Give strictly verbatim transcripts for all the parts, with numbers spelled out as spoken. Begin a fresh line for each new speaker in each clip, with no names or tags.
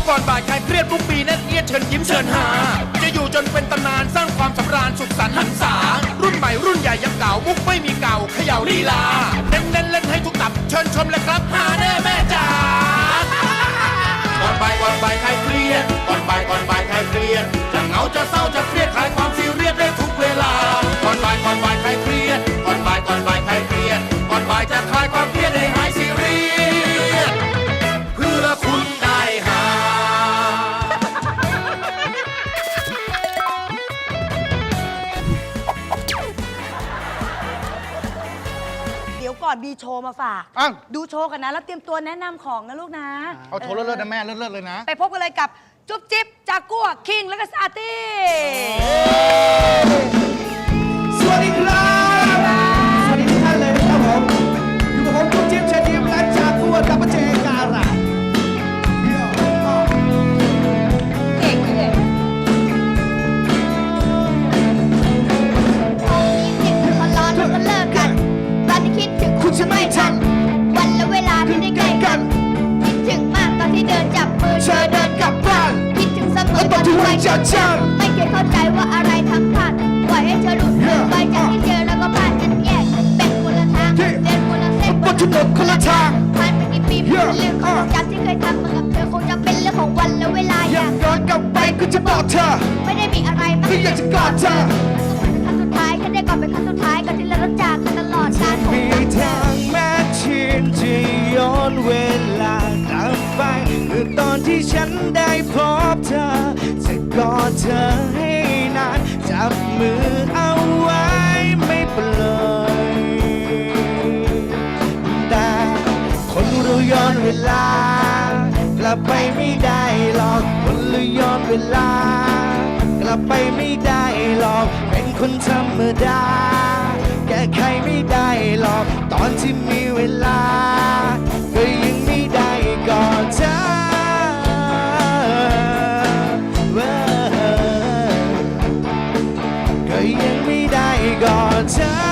ก่อนบ่ายคลายเครียดทุกปีแน่นเอียดเชิญยิ้มเชิญหาจะอยู่จนเป็นตำนานสร้างความสำราญสุขสันต์หันษารุ่นใหม่รุ่นใหญ่ยังเก่ามุกไม่มีเก่าเขย่าลีลาเน้นเล่นเล่นให้ทุกตับเชิญชมเลยครับหาแน่แม่จ๋าก่อนบ่ายก่อนบ่ายคลายเครียดก่อนบ่ายก่อนบ่ายคลายเครียดจะเหงาจะเศร้าจะเครียดคลายความซีเรียสได้ทุกเวลาก่อนบ่ายก่อนบ่ายคลายเครียดก่อนบ่ายก่อนบ่ายคลายเครียดก่อนบ่ายจะคลายความเครียดให้หายซีเรียสเพื่อคุณได้หา
เดี๋ยวก่อนมีโชว์มาฝาก
อ้าว
ดูโชว์กันนะ แล้วเตรียมตัวแนะนำของนะลูกนะ
เอาโชว์เลิศๆนะแม่เลิศๆเลยนะ
ไปพบกันเลยกับจุ๊บจิ๊บจากกัวคิงแล้วก็ซาตี้
สวัสดีครับ สวัสดีทุกท่านเลยนะครับผม อยู่กับผมจุ๊บจิ๊บเชิญยิ้มและจากกัวกับเจการะ
เก่งเลย
คิดถึงคนร้อนแล้วก็เลิกกัน ตอนที่คิดถึงคุณจะไม่ทัน วันและเวลาที่ได้ใกล้กัน คิดถึงมากตอนที่เดินจับมือ
เธอเดินกลับบ้าน
คิดถึงเสมอ
แล้ว
ต
ต
อ
อน น
ที่
ที่
ไว้
วัน
ใจ
จะจ
ไม่เคยเข้าใจว่าอะไรทำพลาดปล่อยให้เธอหลุดมือไปจากที่เจอแล้วก็พลาดกันแยก เป็นคนละทาง เดินคนละเส้น
ำบนถนนคนละทาง
ผ่านไปกี่ปีเป็นเรื่องของจำที่เคยทำมากับเธอคงจะเป็นเรื่องของวันและเวลาอย
อาก
ย่าง
ย้อนกลับไปก็จะบอกเธอ
ไม่ได้มีอะไรมาก
ที่อยากจะกอดเธอ
ครั้งสุดท้ายแค่ได้กอดเป็นครั้งสุดท้ายก่อนที่เราต้องจากกันตลอดกาลของ
มี
เรา
ทางแม้ชินจะย้อนเวลากลับไปเมื่อตอนที่ฉันได้พบเธอ จะกอดเธอให้นาน จับมือเอาไว้ไม่ปล่อยแต่คนเราย้อนเวลากลับไปไม่ได้หรอกคนเราย้อนเวลากลับไปไม่ได้หรอกเป็นคนธรรมดา แก้ไขไม่ได้หรอกตอนที่มีเวลา ก็ยังไม่ได้กอดเธอก็ยังไม่ได้กอดเธอ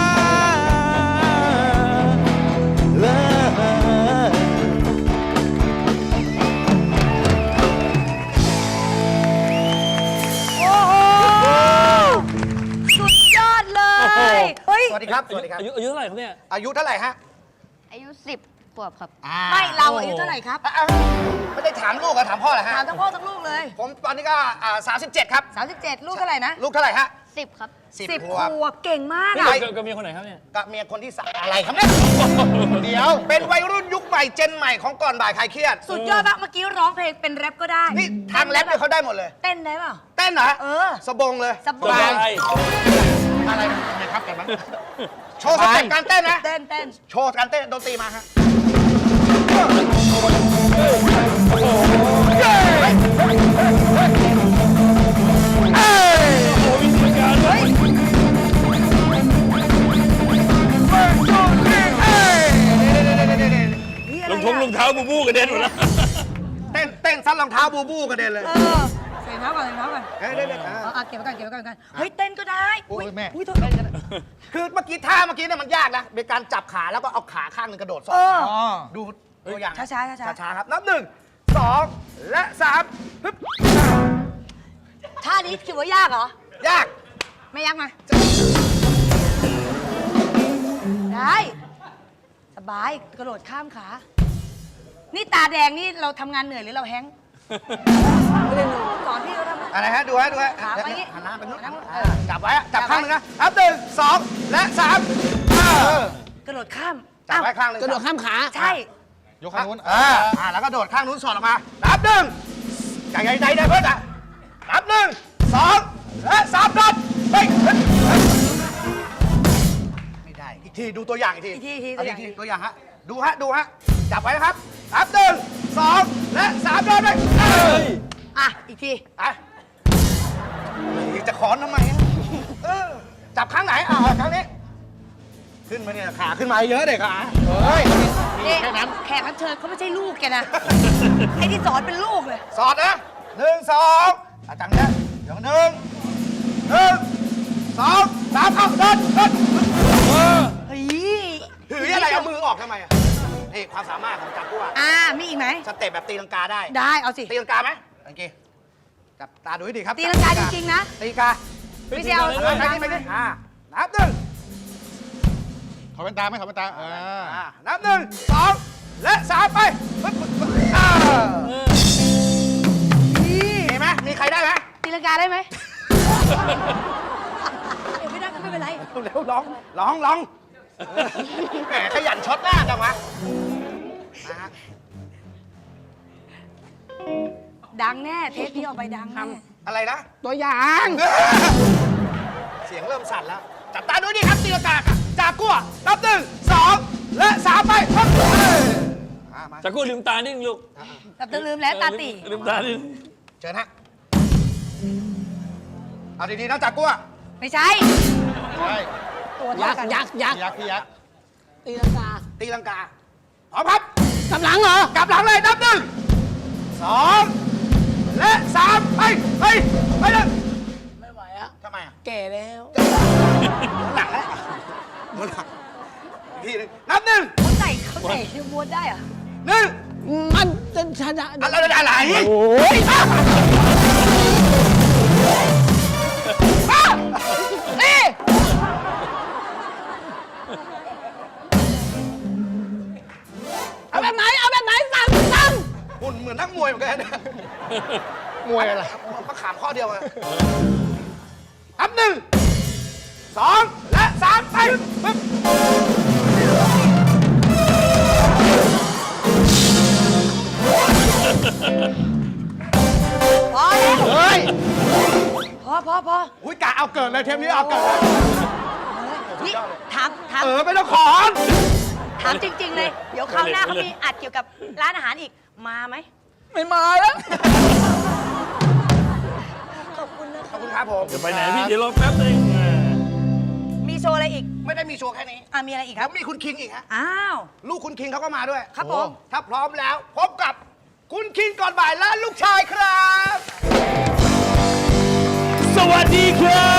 โอ้โห สุดยอดเลย เฮ้ย
สวัสดีครับ สวัสดีครับ
อายุอายุเท่าไหร่ครับเนี่ย
อายุเท่าไหร่ฮะ
อายุสิบขวบครับ
ไม่เราอายุเท่าไหร่ครับ
อ่ะไม่ได้ถามลูกอะถามพ่อเหรอฮะ
ถามทั้งพ่อทั้งลูกเลย
ผมตอนนี้ก็สามสิบเจ็ดครับ
สามสิบเจ็ดลูกเท่าไหร่นะ
ลูกเท่าไหร่ฮะ
สิบครับ
สิบ
สิบ
ข
ข
วบ
วบเก่งมาก
นี่
อะ
กับกับเมียคนไหนครับเนี่ย
กับเมียคนที่สามอะไรครับเนี่ย เดี๋ยว เป็นวัยรุ่นยุคใหม่เจนใหม่ของก่อนบ่ายคลายเครียด
สุดยอดมากเมื่อกี้ร้องเพลงเป็นแรปก็ได้
นี่ทางแรปเนี่ยเขาได้หมดเลย
เต้นได้เปล่า
เต้นเหรอ
เออ
สบงเลย
สบาย
อะไรนะครับกันบ้างโชว์สเต็ปการเต้นนะ
เต้นเต้น
โชว์การเต้นดนตรีมาฮะ
รองท้องรองเท้าบูบูกระเด็นหมดแล้ว
เต้นเต้นซัดรองเท้าบูบูกระเด็นเลย
เออใส่เท้าก่อนใส่เท้าก่อน
เฮ้ยเดี๋ยวเดี๋ยว
เอาเอาเก็บไว้ก่อนเก็บไว้ก่อนกันเฮ้ยเต้นก็ได้
โอ้ยแม่
อุ้ยโทษเต้นกัน
คือเมื่อกี้ท่าเมื่อกี้เนี่ยมันยากนะเป็นการจับขาแล้วก็เอาขาข้างหนึงกระโดดสอ
เออ
ดูตัวอย่าง
ช้าๆช้าๆ
ช้าๆครับนับหนึ่งสองและสามฮึบ
ท่านี้คิดว่ายากเหรอ
ยาก
ไม่ยากมาได้ สบายกระโดดข้ามขา นี่ตาแดงนี่เราทำงานเหนื่อยหรือเราแฮงก์สอนพี่เขาทำ
อะไรฮะดูฮะดูฮะ
ขาไปงี้
หันหน้าไปนู้น
หันหน้า
อ่าจับไว้อะจับข้างหนึงนะนับหนึ่งสองและสามเออก
ระโดดข้าม
จับไว้ข้างหนึง
กระโดดข้ามขา ใช่
ยกข้างนู้นอ่าอ่าแล้วก็โดดข้างนู้นสอดออกมานับหนึ่งใหญ่ใหญ่ใหญ่เพื่อนอ่ะนับหนึ่งสองและสามโดดไปไม่ได้อีกทีดูตัวอย่างอีกที
อีกทีอีกที
เา
ตัวอย่าง
ทีตัวอย่างฮะดูฮะดูฮะจับไว้นะครับนับหนึ่งสองและสามโดดไปเอ้ย
อ่ะ อีกที
อ่ะจะขอนทำไมอะเออจับข้างไหนอ่าข้างนี้ ขึ้นมาเนี่ยขาขึ้นมาเยอะเด็กอ่ะเฮ้ย
นี่แค่นั้นแขกรับเชิญเขาไม่ใช่ลูกแกนะ ไอ้ที่สอนเป็นลูกเลย
สอดนะหนึ่งสองอาจังเนี่ยเดี๋ยวหนึ่งหนึ่งสองสามเอาเดินเดิน
เฮ้ย
ถืออะไรเอามือออกทำไมอ่ะนี่ความสามารถของจากกัว
อ่ามีอีกไหม
สเต็ปแบบตีลังกาได้
ได้เอาสิ
ตีลังกาไหมโอเคจับตาดูให้ดีครับ
ตีลังกาจริงๆนะ
ตีลังกา
ไม่ใช่เอา
ไปไปไปไปอ่านับหนึ่ง
ถอดแว่นตาไหมถอดแว่นตาเออ
อ่านับหนึ่งสองและสามไปปึ๊บปึ๊บปึ๊บอ่ามีไหมมีใครได้ไหม
ตีลังกาได้ไหมเดี๋ยวไม่ได้ก็ไม่เป็นไร
เร็วๆลองลองลองแหมขยันช็อตหน้าจังวะนะฮะ
ดังแน่เทปนี้ออกไปดังแน่
อะไรนะ
ตัวอย่าง
เสียงเริ่มสั่นแล้ว จับตาดูดิครับตีลังกาจากกัวนับหนึ่งสองและสามไปปึ๊บอ่ามา
จากกู้ลืมตานิดนึงลูก
แต่ต้องลืมแล้วตาตี
ลืมตานิดนึง
เชิญฮะเอาดีๆนะจากกัว
ไม่ใช่
ใช่
ตัวเท่ากัน
ยักษ์ยักษ์ยักษ์พี่ยักษ์
ตีลังกาพร้อมครับกลับหลังเหรอกลับหลังเลยนับหนึ่งสองและสามไปไปไปเลยไม่ไหวอะทำไมอะแก่แล้วหลังแล้วหมดหลังพี่หนึ่งนับหนึ่ง
เขาใส่เขาใส่ชื่อม้วนได้เหรอ
หนึ่ง
มันจะชนะ
อะไรอะไรโอ้ยนี่
เอาแบบไหนเอาแบบไหนสั่งสั่ง
หุ่นเหมือนนักมวยเหมือนกันนะ
มวยอะไร
มะขามข้อเดียวอะนับหนึ่งสองและสามไปปึ๊บ
พอแล้ว
เฮ้ย
พอพอพอ
อุ้ยกะเอาเกิดเลยเทปนี้เอาเกิดเลย
นี่ถามถาม
เออไม่ต้องขอน
ถามจริง ๆ เลย เดี๋ยวคราวหน้าเขามีอัดเกี่ยวกับร้านอาหารอีกมาไหม
ไม่มาแล้ว
ขอบคุณนะ
ขอบคุณครับผม
จะไปไหนพี่เดี๋ยวรอแป๊บนึง
มีโชว์อะไรอีก
ไม่ได้มีโชว์แค่นี้
อ่ะมีอะไรอีกค
แล้
รั
ว
บ
มีคุณคิงอีกฮะ
อ้าว
ลูกคุณคิงเขาก็มาด้วย
ครับผม
ถ้าพร้อมแล้ว พบกับคุณคิงก่อนบ่ายและลูกชายครับ
สวัสดีครับ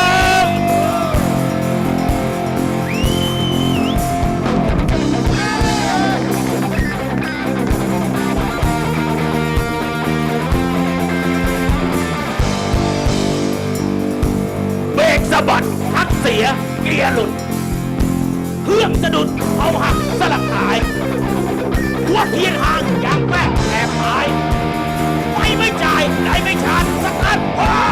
เบรกสะบัดพักเสีย เกียร์หลุด เครื่องสะดุดเอาหักสลักหาย หัวเทียนห่างยางแป้งแอบหายไฟไม่จ่ายไหนไม่ชาร์จสักอันว้า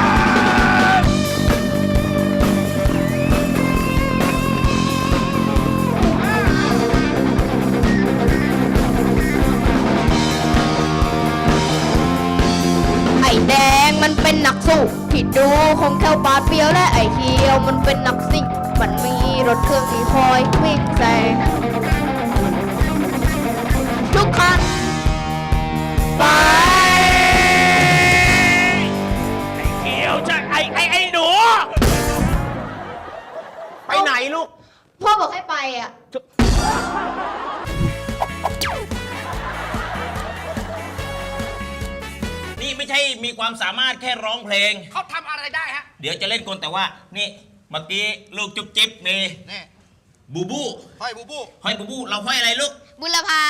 ไอ้แดงมันเป็นนักสู้ที่ดูคงแค่ปาดเปรียวและไอ้เขียวมันเป็นนักซิ่งมันมีรถเครื่องที่คอยวิ่งแซงทุกคัน
ไปไอ้เขียวจะไอ้ไอ้ไอ้หนู
ไปไหนลูก
พ่อบอกให้ไปอ่ะ
นี่ไม่ใช่มีความสามารถแค่ร้องเพลง
เขาทำอะไรได้ฮะ
เดี๋ยวจะเล่นกลแต่ว่า นี่เมื่อกี้ลูกจุ๊บจิ๊บมี
นี่
บูบู
ห้อยบูบู
ห้อยบูบู เราห้อยอะไรลูก
บุรพา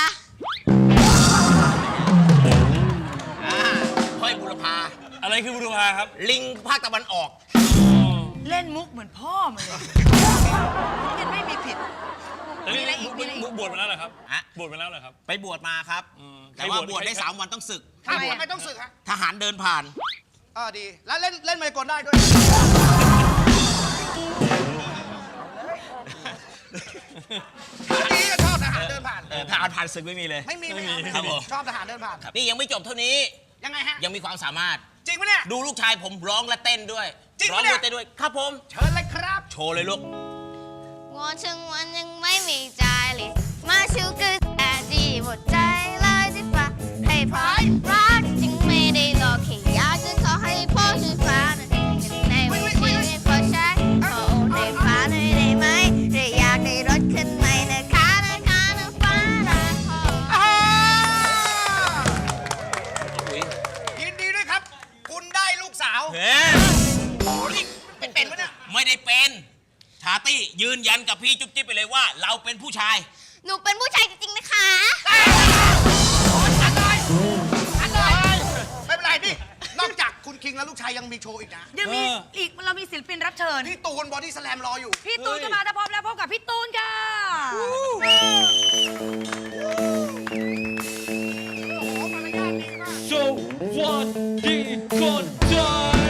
อ่าห้อยบุรพา
อะไรคือบุรพาครับ
ลิงภาคตะวันออก
เล่นมุกเหมือนพ่อมันเลยยังไม่มีผิด มีอะไรอีกมีอะไรอีก
บวชมาแล้วเหรอครับ
ฮะ
บวชมาแล้วเหรอครับ
ไปบวชมาครับ
อืม
แต่ว่า
ใครบวช
บวชได้
ใคร
สามวันต้องศึก
ถ้าบวชไม่ต้องสึกฮะ
ทหารเดินผ่าน
เออดี แล้วเล่นเล่นไมโครได้ด้วย ดีก็ชอบทหารเดินผ่าน
เออทหารผ่านศึกไม่มีเลย
ไม่มีไม่มี
ครับผม
ชอบทหารเดินผ่าน
นี่ยังไม่จบเท่านี้
ยังไงฮะ
ยังมีความสามารถ
จริงปะเนี่ย
ดูลูกชายผมร้องและเต้นด้วย
จริง
ร้อ
ปะ
ง
เนี่
ด้วย ยเต้นด้วย ครับผม
เชิญเลยครับ
โชว์เลยลูก
งอถึงวันยังไม่มีใจเลย มาชูคือแต่ดีหมดใจเลยที่ฟ้าให้พายรักจึงไม่ได้หลอกแค่อยากจะขอให้พ่อช่วยฟ้าหน่อยในวันที่ให้พ่อใช้ขอโอนให้ฟ้าหน่อยได้ไหมหรืออยากได้รถคันใหม่นะคะนะคะนะฟ้านะพ่อ
อ่ายินดีด้วยครับ คุณได้ลูกสาว
เฮ้ย
นี่เป็นเป็นปะเนี่ย
ไม่ได้เป็น ชาตี้ยืนยันกับพี่จุ๊บจิ๊บไปเลยว่า เราเป็นผู้ชาย
หนูเป็นผู้ชายจริงๆนะคะ
อันเลยอันเลยไม่เป็นไรนี่นอกจากคุณคิงแล้วลูกชายยังมีโชว์อีกนะ
ยังมีอีกเรามีศิลปินรับเชิญ
พี่ตูนบอดี้สแลมรออยู่
พี่ตูนก็มาถ้าพร้อมแล้วพบกับพี่ตูนค่ะ
สวัสดีคนไทย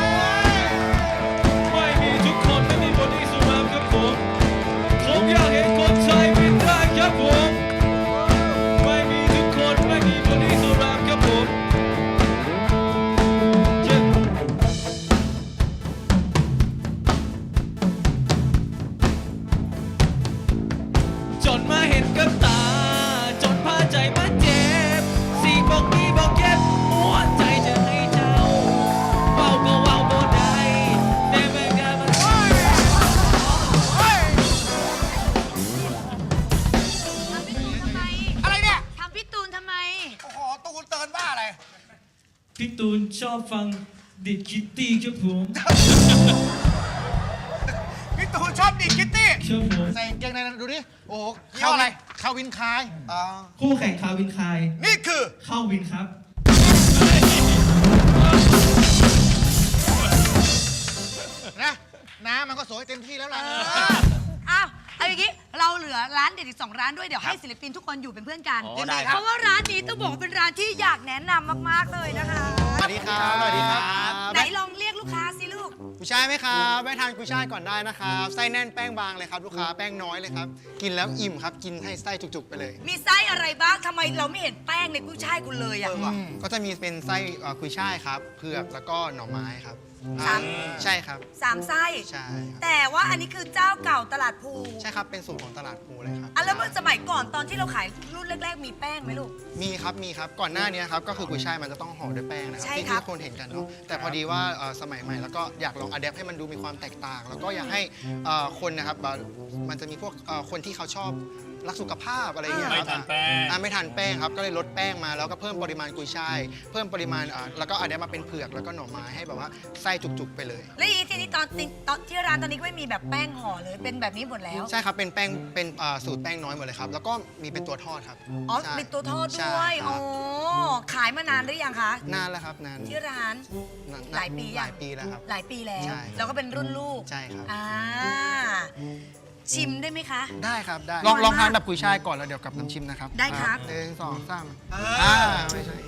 ไม่มีทุกคนไม่มีบอดี้สแลมครับผมผมอยากเห็นคนไทยเป็นได้ครับผมไม่มีทุกคนไม่มีบอดี้สแลมครับผมเจ็บจนมาเห็นกับตาจนพาใจมาเจ็บสีบอกนี้บอกเก็บหัวใจจะให้เจ้าเว้าก็เว้าบ่ได้แต่แม่งานมัน
ทำพี่ตูนทำไม
อะไรเนี่ย
ทำพี่ตูนทำไม
โอ้โหตูนเตือนบ้าอะไร
พี่ตูนชอบฟังดิคิตตี้ครับผม
พี่ตูนชอบดีดคิตตี้
ครับผม
ใส่กางเกงในนั้นดูดิโอ้โหเข้าอะไรเข้าวินคายอ่า
คู่แข่งคาวินคาย
นี่คือ
เข้าวินครับ
นะน้ำมันก็สวยเต็มที่แล้วล่ะ
อ้าวเอาอย่างนี้เราเหลือร้านเด็ดอีกสองร้านด้วยเดี๋ยวให้ศิลปินทุกคนอยู่เป็นเพื่อนกัน
อ๋อได้ครับ
เพราะว่าร้านนี้ต้องบอกว่าเป็นร้านที่อยากแนะนำมากๆเลยนะคะ
สวัสดีครับสวัสดีครับ
ไหนลองเรียกลูกค้าสิลูก
กุยช่ายไหมครับแวะทานกุยช่ายก่อนได้นะครับไส้แน่นแป้งบางเลยครับลูกค้าแป้งน้อยเลยครับกินแล้วอิ่มครับกินให้ไส้จุกๆไปเลย
มีไส้อะไรบ้างทำไมเราไม่เห็นแป้งในกุ้ยช่ายคุณเลยอ่ะ
ก็จะมีเป็นไส้เอ่อกุยช่ายครับเผือกแล้วก็หน่อไม้ครับ
สาม
อ่าใช่ครับ
สามไส้
ใช่ครับ
แต่ว่าอันนี้คือเจ้าเก่าตลาดภู
ใช่ครับเป็นสูตรของตลาดภูเลยครับ
อ่ะแล้วเมื่อสมัยก่อนตอนที่เราขายรุ่นแรก ๆ มีแป้งไหมลูก
มีครับมีครับก่อนหน้านี้ครับก็คือกุยช่ายมันจะต้องห่อด้วยแป้งนะครับ
ใช่
ที่
ครั
ที่
บ
คนเห็นกันเนาะแต่พอดีว่าเอ่อสมัยใหม่แล้วก็อยากลองอัดแอปให้มันดูมีความแตกต่าง แล้วก็อยากให้เอ่อคนนะครับแบบมันจะมีพวกเอ่อคนที่เขาชอบรักสุขภาพอะไรอย่างเงี้ยครับ
ไม่ทานแป้ง
อ่ะไม่ทานแป้งครับก็เลยลดแป้งมาแล้วก็เพิ่มปริมาณกุยช่ายเพิ่มปริมาณอ่ะแล้วก็อัดแอปมาเป็นเผือกแล้วก็หน่อไม้ให้แบบว่าไส้จุกๆไปเลย
แล้วอีทีนี้ตอนตอนที่ร้านตอนนี้ก็ไม่มีแบบแป้งห่อเลยเป็นแบบนี้หมดแล้ว
ใช่ครับเป็นแป้งเป็นอ่าสูตรแป้งน้อยหมดเลยครับแล้วก็มีเป็นตัวทอดครับ
อ๋อ
ใช่
เป็นตัวทอด
ใช่
ด้วย
ครั
อ๋
บ
อขายมานานหรือยังคะ
นานแล้วครับนาน
ที่ร้าน
นน
หลายปียัง
หลายปีแล้วครับ
หลายปีแล้ว
ใช่ครับ
แล้วก็เป็นรุ่นลูก
ใช่ครับ
อ่าชิมได้ไหมคะ
ได้ครับได้
อ
ล
ร่
อ
อง ย
ลองทาน
มาก
แบบกุยช่ายก่อนแล้วเดี๋ยวกับน้ำชิมนะครับ
ได้ครับ
หนึ่งสองสามอ่าไม่ใช่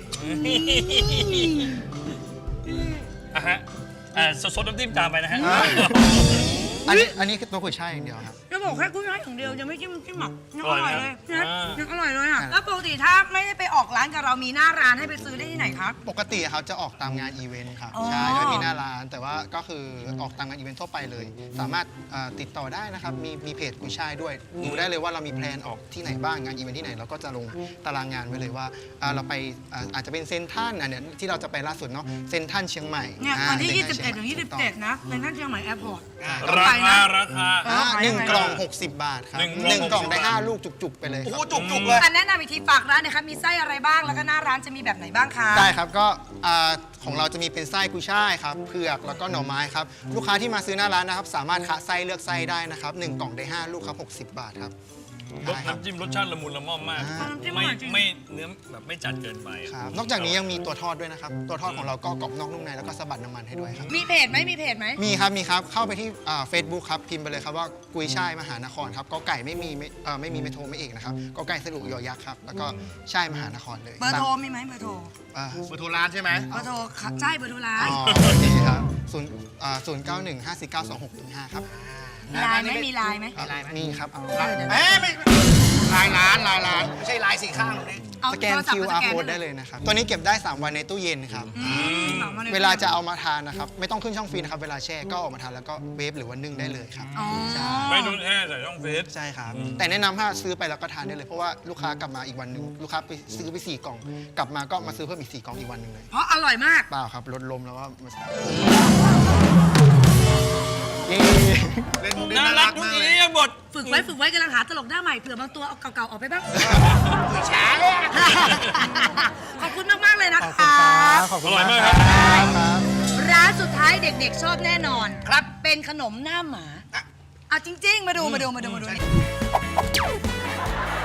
อ่ะฮะอ่าซดน้ำจิ้มตามไปนะฮะ
อันนี้อันนี้คือตัวกุยช่ายอย่างเดียวครับ
จะบอกแค่กุ้ยช่ายอย่างเดียวยังไม่จิ้มจิ้มหมักยัง
อ
อ
ร่
ร่
อ
อย ย
ไหม
เลย
อ่า
นะยังอร่อยเลยอ่ะ
อ่า
แล้วปกติถ้าไม่ได้ไปออกร้านกับเรามีหน้าร้านให้ไปซื้อได้ที่ไหนครับ
ปกติครับจะออกตามงานอีเวนต์ครับ
อ๋อ
ใช่ก็มีหน้าร้านแต่ว่าก็คือออกตามงานอีเวนต์ทั่วไปเลย สามารถเอ่อติดต่อได้นะครับมีมีเพจกุยช่ายด้วยดูได้เลยว่าเรามีแพลนออกที่ไหนบ้างงานอีเวนต์ที่ไหนเราก็จะลงตารางงานไว้เลยว่าอ่าเราไปอ่าอาจจะเป็นเซนทรัลอันเนี้ยที่เราจะไปล่าสุดเนาะเซนทรัลเชียงใหม่
เนี่ย
อ่า
วันที่
ซ็
ยี่
ท
สิ
รั
บ
ล
เอ็ด
ชี
ถึ
ย
ง
ใหม่
ยี่สิบเจ็ดนะเป็นท่านเชียงใหม่แอร์พอร์ต
ราคาราคา
อ่า
ไป
หนึ่ง
ไป
กล่องหกสิบบาทครับ
หนึ่ง
หนึ่ง
ก
ก
ล่
ล่
อ
อง ง
หกสิบบาท
ได้ห้าลูกจุกๆไปเลย
โอ้
ค
โห
รับ
จุกๆเลย
อันแนะนำอีกทีฝากร้านหนะคะมีไส้อะไรบ้างแล้วก็หน้าร้านจะมีแบบไหนบ้างคะ
ได้ครับก็อ่าของเราจะมีเป็นไส้กุยช่ายครับเผือกแล้วก็หน่อไม้ครับลูกค้าที่มาซื้อหน้าร้านนะครับสามารถคะไส้เลือกไส้ได้นะครับหนึ่งกล่องได้ห้าลูกครับหกสิบบาทครับ
รส
ได้ครับ
น้ำจิ้มรสชาติละมุนละม่อมมาก
อ่า
ไม่ไม่เนื้อแบบไม่จัดเกินไป
ครับนอกจากนี้ยังมีตัวทอดด้วยนะครับตัวทอดของเราก็กรอบนอกนุ่มในแล้วก็สะบัดน้ำมันให้ด้วยครับ
มีเพจไหมมีเพจไหม
มีครับมีครับเข้าไปที่เฟซบุ๊กครับพิมพ์ไปเลยครับว่ากุยช่ายมหานครครับก็ไก่ไม่มีไม่เอ่อไม่มีไม่โทรไม่เอกนะครับก็ไก่สรุยอยักษ์ครับแล้วก็ช่ายมหานครเลย
เบอร์โทรมีไหมเบอร์โทร
อ่า
เบอร์โทรร้านใช่ไหม
เบอร์โทรค่ะใช่เบอร์โทรร้าน
อ๋อโอเคครับศูนย์อ่าศูนย์เก้าหนึ่งห้าสี่เก้าสองหกหนึ่งห้าครับ
มีไลน์ไหมมีไลน์ไหม
มีไลน์ไหม
มีครับ
เออเดี๋ยว
เอ้ยไม่ลายร้านลายร้านไม่ใช่ลายสีข้างหรอกนี่
เอา
สแกน
โทรศัพ
คิ
ท์
ว
มาส
อาร์
แกน
โค้ดได้เลยนะครับ ตัวนี้เก็บได้ สาม วันในตู้เย็นครับ
อืมสองวันย
เวลาจะเอามาทานนะครับ ไม่ต้องขึ้นช่องฟรีนะครับ เวลาแช่ก็เออกมาทานแล้วก็เวฟหรือว่านึ่งได้เลยครับ
อ๋อ
ไม่ต้องแช่ใส่ช่องฟรีซ
ใช่ครับ แต่แนะนำถ้าซื้อไปแล้วก็ทานได้เลย เพราะว่าลูกค้ากลับมาอีกวันหนึ่งลูกค้าไปซื้อไปสี่กล่อง กลับมาก็มาซื้อเพิ่มอีกสี่กล่องอีกวันหนึ่งเลย
เพราะอร่อยมาก
เปล่าครับลดลมแล้วว่ามาเย้
เล่นมุกได้
น่า
น่า
รั
รั
ก
ก
ทุก
มาก
ที
เลย
ยังหมด
ฝึกไว้ฝึกไว้กำลังหาตลกหน้าใหม่เผื่อบางตัวเอาเก่าๆออกไปบ้าง
ช้า
ขอบคุณมากๆเลยนะ
ขอบคุณ
คะ
ครับขอบคุณ
อร่อยมาก
ค
ครั
รับ บ
ร้านสุดท้ายเด็กๆชอบแน่นอน
ครับ
เป็นขนมหน้าหมาเอาจริง ๆ มาดูมาดูมาดูมาดูนี่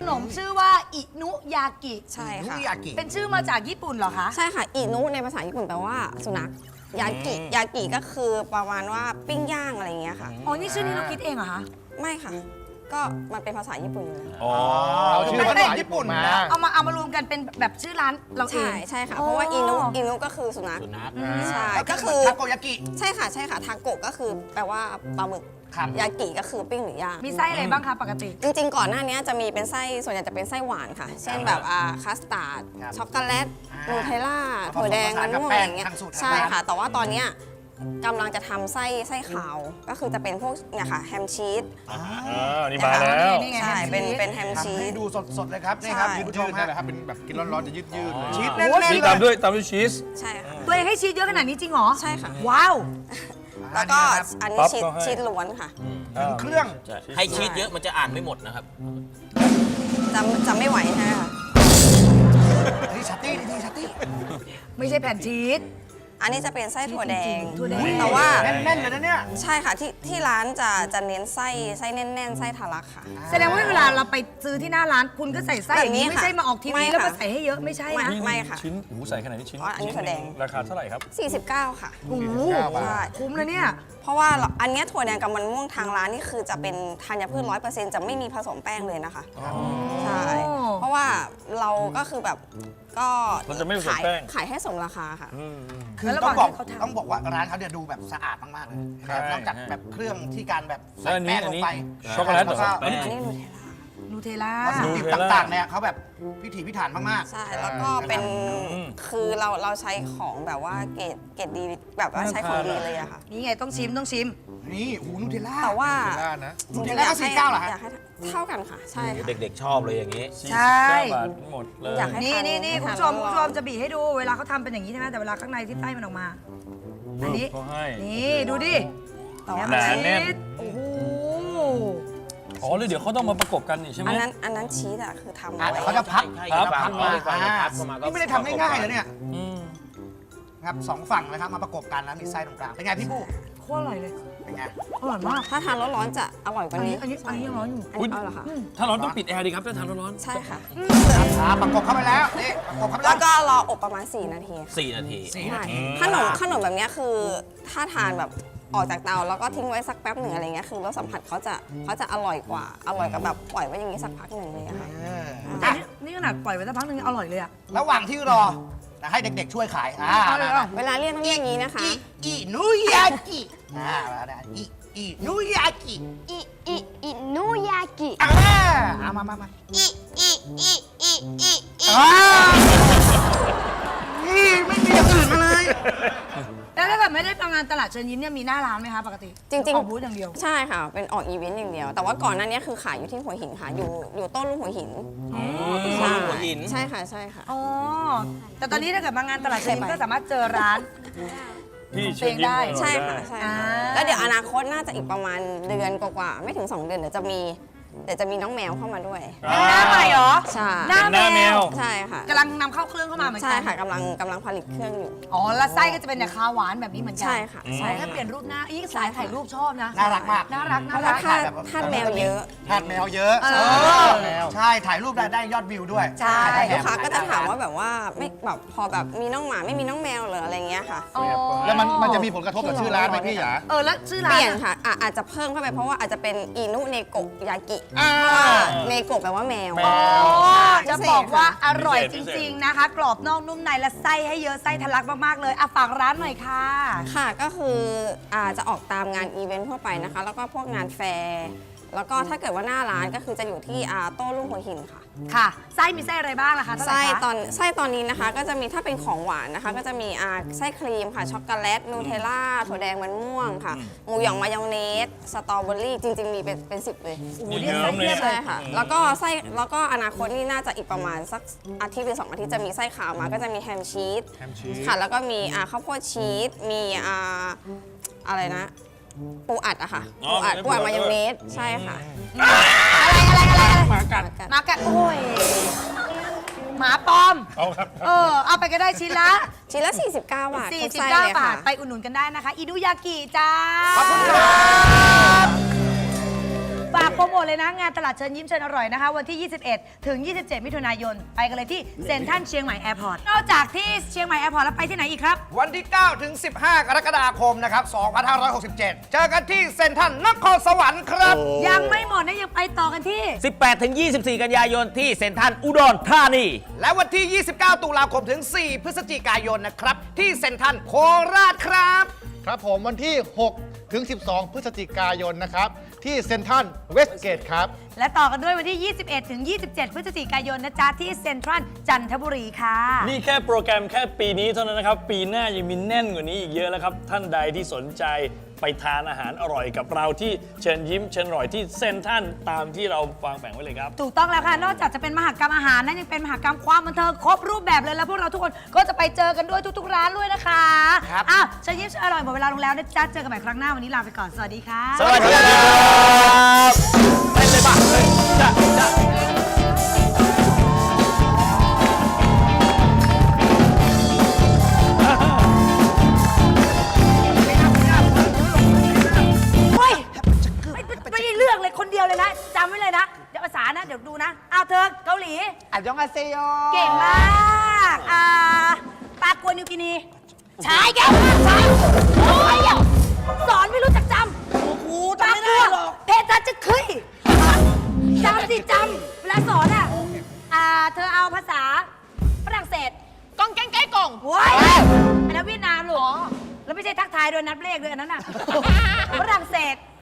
นมชื่อว่าอินุยากิ
ใช่
นุ
ค่ะ
ยากิ
เป็นชื่อมาจากญี่ปุ่นเหรอคะ
ใช่ค่ะ อินุในภาษาญี่ปุ่นแปลว่าสุนัข ยากิ ยากิก็คือประมาณว่าปิ้งย่างอะไรอย่างเงี้ยค่ะ
อ๋อ นี่ชื่อนี้เราคิดเองเหรอคะ
ไม่ค่ะ ก็มันเป็นภาษาญี่ปุ่นอยู่แล้ว
อ๋อ
เอาชื่อภาษาญี่ปุ่นมา
เอามาเอามารวมกันเป็นแบบชื่อร้านเราเอง
ใช่ใช่ค่ะ เพราะว่าอินุ อินุก็คือสุนัข
สุนัข
ใช่
ก็
ก็
คื
คือ อ
ทาโกยากิ
ใช่ค่ะ ใช่ค่ะ ทาโกะก็คือแปลว่าปลาหมึก
ครับ
ยากิก็คือปิ้งหรือย่าง
มีไส้อะไรบ้างคะปกติ
จริงๆ ก่อนหน้านี้จะมีเป็นไส้ ส่วนใหญ่จะเป็นไส้หวานค่ะ เช่นแบบอ่าคัสตาร์ด
ครับ
ช็อกโกแลต
อ่า
นูเทลล่า
ผสม
ถั่วแดง
ผสาน
มัน
กับ
ม่วง
แป้
อะไร
ง
อย่างเงี้ย
ทางสูตร
ใช่
ทางร้าน
ค่ะ แต่ว่าตอนเนี้ยกำลังจะทำไส้ไส้ขาว ก็คือจะเป็นพวกเนี่ยค่ะแฮมชีส
อ่านี่มาแล้ว
นี่ไง
ใช่
แฮมชีส
เป็นเป็นแฮม
ทำ
ชี
ให้
ส
ดูสดๆเลยครับนี่ครับ
ใช่
คุณผู้ชม
ยืด
ฮะ
ได้ครับเป็นแบบกินร้อนๆจะยืดยืดๆเลย
ชีสแน่นๆ
ชีส
เล
ตาม
ย
ด้วยตามด้วยชีส
ใช่ค่ะ
ตัวเองให้ชีสเยอะขนาดนี้จริงเหรอ
ใช่ค่ะ
ว้าว
แล้วก็อันนี้
ปั๊บ
ชีส
ก็ให้
ชีสล้วนค่ะ
ถึงเครื่อง
ใช่ให้ชีสเยอะมันจะอ่านไม่หมดนะครับ
จะจะไม่ไหวใช่ไหมคะ
นี่ชัตตี้นี่ชัตตี้
ไม่ใช่แผ่นชีส
อันนี้จะเป็นไส้ถั่วแดง
ถั่วแดง
แต่ว่า
แน่นๆเลยนะเนี่ย
ใช่ค่ะที่ที่ร้านจะจะเน้นไส้ไส้แน่นๆไส้ทะลักค่ะ
แสดงว่าเวลาเราไปซื้อที่หน้าร้านคุณก็ใส่ไส้อย่างนี้
แบบนี้
ไม่ใช่
ค่ะ
มาออกที
ไม่
วี
ค่ะ
แล้วมาใส่ให้เยอะไม่ใช่นะ
ไม่ ค่ะ
ชิ้นโอ้โหใส่ขนาดนี้ชิ้น
อ๋ออันนี้ถั่วแดง
ราคาเท่าไหร่ครับ
สี่สิบเก้าค่ะ
โอ้โห
ใช่
คุ้มเลยเนี่ย
เพราะว่าเราอันเนี้ยถั่วแดงกับมันม่วงทางร้านนี่คือจะเป็นธัญพืชร้อยเปอร์เซ็นต์จะไม่มีผสมแป้งเลยนะคะใช่เพราะว่าเราก็คือแบบก็
มันจะไม่ผสม
ขาย
แป้ง
ขายให้สมราคาค่ะ
คือ
แล้ว
ต้องบอก
ระหว่างที่เขาทำ
ต้องบอกว่าร้านเขาเนี่ยดูแบบสะอาดมากๆเลยนะครับนอกจากแบบเครื่องที่การแบบใส่
แล้วอันนี้
แป้งลงไป
อันนี้ช็อกโกแลตเหรอ
ก็
อันนี้นูเทลล่า
นูเทลล่า
วัตถุดิบต่างๆเนี่ยเขาแบบพิถีพิถันมากๆ
ใช่ แล้วก็เป็น
อืม
คือเราเราใช้ของแบบว่าเกรดเกรดดีแบบว่าใช้ของดีเลยอะค่ะ
นี่ไงต้องชิมต้องชิม
นี่โอ้โหนูเทลล่า
แต่ว่า
ล่านะ
นูเทลล่าก็สี่สิบเก้าเหรอฮะ
อยากให้เท่ากันค่ะ ใช่ค่ะ
เด็กๆชอบเลยอย่างนี้
ใช่
สี่สิบเก้าบาทหมดเลย
อยากให้
นี่นี่นี่
ให้
คุณ
ทาน
ผู้ชมคุณผู้ชม
ร้อนๆ
จะบีบให้ดูเวลาเขาทำเป็นอย่างนี้ใช่ไหมแต่เวลาข้างในที่ไส้มันออกมา อันนี้
เขาให้
นี่ดูดิ
แต่ว่า
แฮม
หนา
ชี
แน่น
สโอ้โห
อ๋อเลยเดี๋ยวเขาต้องมาประกบกันนี่ใช่ไหม
อันนั้นอันนั้นชีสอะคือทำ
อ่ะ
ไว้
เขาจะพับ
ใช่
เขา
ใช่
จะพับมา
ใช่
อ่า
พับเข้ามาก็
นี่ไม่ได้ทำง่ายๆเลยเนี่ย
อืม
ครับสองฝั่งนะครับมาประกบกันแล้วมีไส้ตรงกลางเป็นไงพี่ผู้
โคตรอร่อยเลย
เป็นไง
อร่อยมาก
ถ้าทานร้อนๆจะอร่อยก
อั
ว่าน
นี้
นี้
อันนี้อันนี้ยังร้อนอยู่
อันนี้เอาเหรอคะ
ถ้าร้อนต้องปิดแอร์ดีครับถ้าทานร้อนๆ
ใช่ค่ะ
อ่าประกบเข้าไปแล้วนี่ประกบเข้าไป
แล้
แล้ว ว
ก็รออบประมาณ สี่ นาทีค่ะ
สี่นาที
สี่นาที
ขนมขนมแบบเนี้ยคือถ้าทานแบบออกจากเตาแล้วก็ทิ้งไว้สักแป๊บหนึ่งอะไรเงี้ยคือรสสัมผัสเขาจะเขาจะอร่อยกว่า อร่อยกับแบบปล่อยไว้อย่างนี้สักพักหนึ่งเลยอะค่ะ
เออ
แต่
อ่ะ
นี่นี่ขนาดปล่อยไว้สักพักหนึงอร่อยเลยอะ
ระหว่างที่รอนะให้เด็กๆช่วยขายอ่า
เอาเลยเหรอ
เวลาเรียกต้องเรียกอย่างนี้นะคะ
อีอีนุยากิอ่ามาได้อีอีนุยากิ
อิอิอินุยากิ
อ่าเอามามามา
อิอิอิอิอิอิ
อ่านี่ไม่มีอย่างอื่นมาเลย
แล้วถ้าเกิดไม่ได้ทำงานตลาดเชิญยิ้มเนี่ยมีหน้าร้านไหมคะปกติ
จริงๆ
ออกบูธอย่างเดียว
ใช่ค่ะ เป็นออกอีเวนต์อย่างเดียว แต่ว่าก่อนหน้านี้คือขายอยู่ที่หัวหินค่ะ อยู่อยู่ต้นลูกหัวหิน
ใช่หัวหิน
ใช่ค่ะใช่ค่ะ
อ๋อ แต่ตอนนี้ถ้าเกิดมางานตลาดเชิญยิ้มก็สามารถเจอร้าน
พี่
เพลงได้
ใช่ค่ะใช่ค่ะ
อ่า
แล้วเดี๋ยวอนาคตน่าจะอีกประมาณเดือนกว่าๆไม่ถึง สอง เดือนเดี๋ยวจะมีเดี๋ยวจะมีน้องแมวเข้ามาด้วย
หน้าใหม่เหรอ
ใช่
หน้า
หน้าแมว
ใช่ค่ะ
กำลังนำเข้าเครื่องเข้ามาเหมือนกั
ใช่ค่ะกำลังกำลังผลิตเครื่องอยู่
อ๋อ แล้วไส้ก็จะเป็นแบบคาวหวานแบบนี้เหมือนกั
ใช่ค่ะใช่
แค่เปลี่ยนรูปหน้า อีกสายถ่ายรูปชอบนะ
น่ารักมาก
น่ารัก
เพ
น่า
ราะ
รั
ว่าก ถ้า
แบบ
ถ้าแมวเยอะ
ทาสแมวเยอะ
เออ
แมวใช่ ถ่ายรูปได้ได้ยอดวิวด้วย
ใช่
ถ่ย
ลูก
แถ
ค้าก็จะถามว่า
ถ่ย
แบบว่าไม่แบบพอแบบมีน้องหมาไม่มีน้องแมวเหรออะไรเงี้ยค่ะ
อ๋อ
แล้วมันมันจะมีผลกระทบกับชื่อร้านไหมพี่หยา
เออ แล้วชื่อ
เป
ร้าน
ลี่ยน
อะ
ค่ะอ่ะอาจจะเพิ่มเข้าไปเพราะว่าอาจจะเป็นอินุเนโกะยากิ
อ่า
เพราะว่าเนโกะแปลว่าแมว
แม
อ๋อ
ใช่
จะบอกว่าอร่อย
พิ
จ
เศษ
ริง ๆ นะคะ กรอบนอกนุ่มในและไส้ให้เยอะไส้ทะลักมากๆเลยอ่ะฝากร้านหน่อยค่ะ
ค่ะก็คืออ่าจะออกตามงานอีเวนต์ทั่วไปนะคะ แล้วก็พวกงานแฟร์แล้วก็ถ้าเกิดว่าหน้าร้านก็คือจะอยู่ที่อ่าโต้รุ่งหัวหินค่ะ
ค่ะ ไส้มีไส้อะไรบ้างล่ะคะเท่าไหร่
ไส้
คะ
ตอนไส้ตอนนี้นะคะก็จะมีถ้าเป็นของหวานนะคะ ก็จะมีอ่าไส้ครีมค่ะช็อกโกแลตนูเทลล่าถั่วแดงมันม่วงค่ะหมูหยองมายองเนสสตรอเบอรี่จริง ๆ มีเป็นเป็นสิบเลย
โอ้โห
เย
เรียก
อะ
ไส้
ๆ
เทียบเล
ใช่
ย
ค่ะ แล้วก็ไส้แล้วก็อนาคตนี่น่าจะอีกประมาณสักอาทิตย์หรือสองอาทิตย์จะมีไส้ขาวมาก็จะมีแฮมชีส
แฮมชีส
ค่ะ แล้วก็มีอ่าข้าวโพดชีสมีอ่าอะไรนะ ปูอัดอะค่ะ
อ๋อ
ปูอัด
มี
ปูอัด
ปูอัด
มายองเนสใช่ค่ะ
อะไรอะไรอะไรอะไร
หมากัด
มากัดโอ้ย หมาปลอม
เอาครับ
เออ เอาไปก็ได้ชิ้นละ
ชิ้นละ สี่สิบเก้า บาททุกไส้
49
เลย
บา
ค่ะ
ท ไปอุดหนุนกันได้นะคะ อิดุยากิจ้า
ขอบคุณครับ
ฝากโปรโมทเลยนะงานตลาดเชิญยิ้มเชิญอร่อยนะคะวันที่ ยี่สิบเอ็ด ถึง ยี่สิบเจ็ด มิถุนายนไปกันเลยที่เซ็นทรัลเชียงใหม่แอร์พอร์ตนอกจากที่เชียงใหม่แอร์พอร์ตแล้วไปที่ไหนอีกครับ
วันที่ เก้า ถึง สิบห้า กรกฎาคมนะครับ สองพันห้าร้อยหกสิบเจ็ด เจอกันที่เซ็นทรัลนครสวรรค์ครับ
ยังไม่หมดนะยังไปต่อกันที่
สิบแปดถึงยี่สิบสี่ กันยายนที่เซ็นทรัลอุดรธานี
และวันที่ ยี่สิบเก้า ตุลาคมถึง สี่ พฤศจิกายนนะครับ ที่เซ็นทรัลโคราชครับ
ครับผมวันที่ หก ถึง สิบสอง พฤศจิกายนนะครับ ที่เซ็นทรัลเวสเกตครับ
และต่อกันด้วยวันที่ ยี่สิบเอ็ด ถึง ยี่สิบเจ็ด พฤศจิกายนนะจ๊ะที่เซ็นทรัลจันทบุรีค่ะ
นี่แค่โปรแกรมแค่ปีนี้เท่านั้นนะครับ ปีหน้ายังมีแน่นกว่านี้อีกเยอะแล้วครับ ท่านใดที่สนใจไปทานอาหารอร่อยกับเราที่เชิญยิ้มเชิญอร่อยที่เซ็นทรัลตามที่เราวางแผนไว้เลยครับ
ถูกต้องแล้วค่ะ นอกจากจะเป็นมหกรรมอาหารนั้นยังเป็นมหกรรมความบันเทิงครบรูปแบบเลยแล้วพวกเราทุกคนก็จะไปเจอกันด้วยทุกๆร้านด้วยนะคะ
ครับ
อ้าวเชิญยิ้มเชิญอร่อยหมดเวลาลงแล้วนะจ๊ะเจอกันใหม่ครั้งหน้าวันนี้ลาไปก่อนสวัสดีค่ะ
สวัสดีครับไปเลยบ้าเลยจ้ะจ้ะ
เฮ้ยไม่ไม่ได้เรื่องเลยคนเดียวเลยนะจำไว้เลยนะเดี๋ยวภาษานะ เดี๋ยวดูนะเอาเธอเกาหลี
อันยองอาเซโย
เก่งมากอ่าปากัวนิวกินีชายแก้วชายโอ้ยอ่ะสอนไม่รู้จักจำโอ้โหจำไม่ได้หรอกเพทัจะคุยจำสิจำเวลาสอนอ่ะอ่าเธอเอาภาษาฝรั่งเศส
กองแกงแก้กง
โว้ยอันนั้นเวียดนามหรอแล้วไม่ใช่ทักทายด้วยนับเลขด้วยอันนั้นน่ะฝรั่งเศส